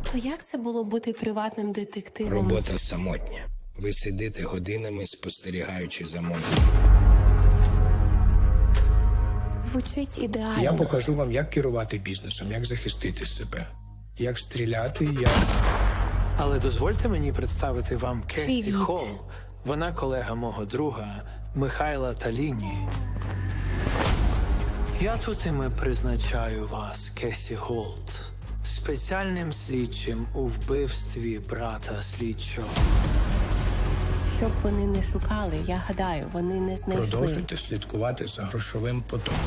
То як це було бути приватним детективом? Робота самотня. Ви сидите годинами, спостерігаючи за монстром. Звучить ідеально. Я покажу вам, як керувати бізнесом, як захистити себе, як стріляти, як... Але дозвольте мені представити вам Кесі Привіт. Холл. Вона колега мого друга Михайла Таліні. Я тут і ми призначаю вас, Кесі Голд, спеціальним слідчим у вбивстві брата слідчого. Щоб вони не шукали, я гадаю, вони не знайшли. Продовжуйте слідкувати за грошовим потоком.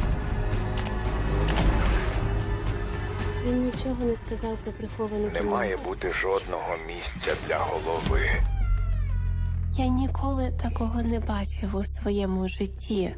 Він нічого не сказав про приховану Не кімнату. має бути жодного місця для голови. Я ніколи такого не бачив у своєму житті.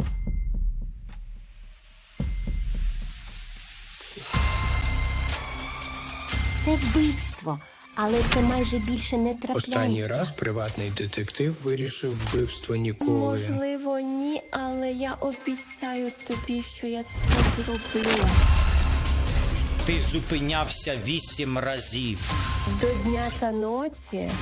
Це вбивство, але це майже більше не трапляється. Останній раз приватний детектив вирішив вбивство Ніколи. Можливо, ні, але я обіцяю тобі, що я це зроблю. Ти зупинявся 8 разів. До дня та ночі.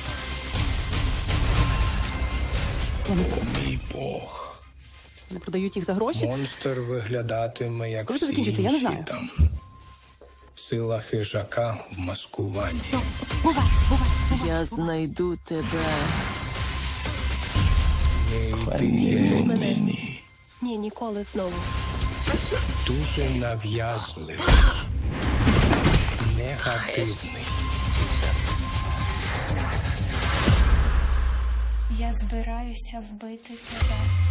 Мій Бог. Не продають їх за гроші? Монстр виглядатиме, як Коли це всі закінчиться, я не інші знаю. там. Сила хижака в маскуванні. Я знайду тебе. Не йди мені. Ні, ніколи знову. Дуже нав'язливий. Негативний. Я збираюся вбити тебе.